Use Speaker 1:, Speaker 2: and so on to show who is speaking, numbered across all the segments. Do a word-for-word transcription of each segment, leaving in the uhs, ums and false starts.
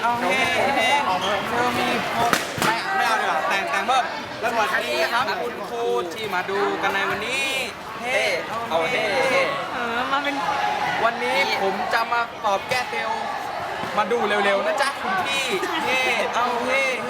Speaker 1: เอาเฮ้เฮ้เธอมีไม่ไม่เอาดีกว่าแต่งแต่งเพิ่มแล้วสวัสดีครับคุณครูที่มาดูกันในวันนี้เฮ้เอาเฮ้เฮ้
Speaker 2: เออมาเป็น
Speaker 1: วันนี้ผมจะมาตอบแก้เซลมาดูเร็วๆนะจ๊ะคุณพี่เฮ้เอาเฮ้เฮ้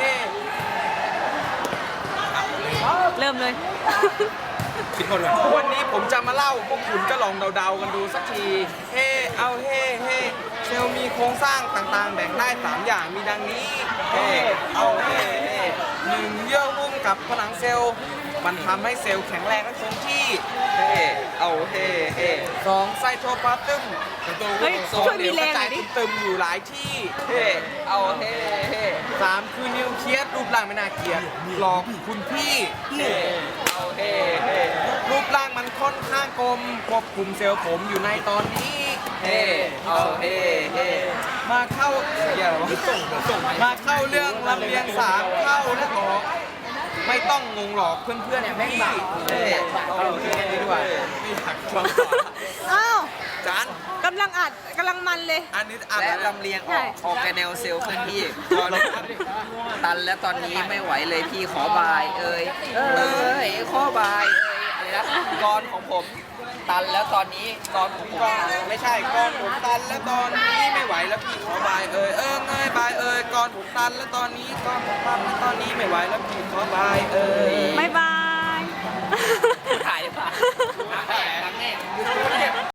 Speaker 2: เริ่มเลย
Speaker 1: สิบคนเลยวันนี้ผมจะมาเล่าพวกคุณก็ลองเดาๆกันดูสักทีเฮ้เอาเฮ้เฮ้เซลล์มีโครงสร้างต่างๆแบ่งได้สามอย่างมีดังนี้เฮ้เอาเฮ้เฮ้หนึ่งเยื่อหุ้มกับผนังเซลล์มันทำให้เซลล์แข็งแรงและคงที่เฮ้เอาเฮ้เฮ้สองไซโทพลาซึมตัว
Speaker 2: เฮ้ย
Speaker 1: สอง
Speaker 2: ช่วยมี
Speaker 1: เดี๋ยว
Speaker 2: แร
Speaker 1: ก
Speaker 2: ง
Speaker 1: ระ
Speaker 2: หน่
Speaker 1: จา
Speaker 2: อย ยดิ
Speaker 1: ตึมๆอยู่หลายที่เฮ้เอาเฮ้เฮ้สามคือนิวเคลียสรูปร่างไม่น่าเกลียดหลอกคุณพี่เฮ้เอาเฮ้เฮ้รูปร่างมันค่อนข้างกลมควบคุมเซลล์ผมอยู่ในตอนนี้เฮ้เอาเฮ้เฮ้มาเข้าเดี๋ยวมาเข้าเรื่องลำเลียงสามเข้าและออกไม่ต้องงงหรอกเพื่อนๆพี่เฮ้เอาเฮ้ดีด้วยไม่อยากฟังต่อ
Speaker 2: อ้าว
Speaker 1: จาน
Speaker 2: กำลังอัดกำลังมันเลย
Speaker 1: อันนี้อัด
Speaker 3: และ
Speaker 1: แล้ว
Speaker 3: ลำเลียงอ
Speaker 2: ใช่
Speaker 3: อกออกแกแนวเซลล์เคลื่อนที่พอเราตันแล้วตอนนี้ไม่ไหวเลยพี่ขอบาย เอ้ยเอ้ยขอบายเอ้ยอะไรนะกรของผมตันแล้วตอนนี้กรของผม
Speaker 1: ก่อนไม่ใช่ก่อนผมตันแล้วตอนนี้ไม่ไหวแล้วพี่ขอบายเอ่ยเออเงยบายเอ่ยก่อนผมตันแล้วตอนนี้ก่อนผมตันแล้วตอนนี้ไม่ไหวแล้วพี่ขอบายเอ่ย
Speaker 2: บ๊ายบาย
Speaker 3: ถ่ายดีกว่า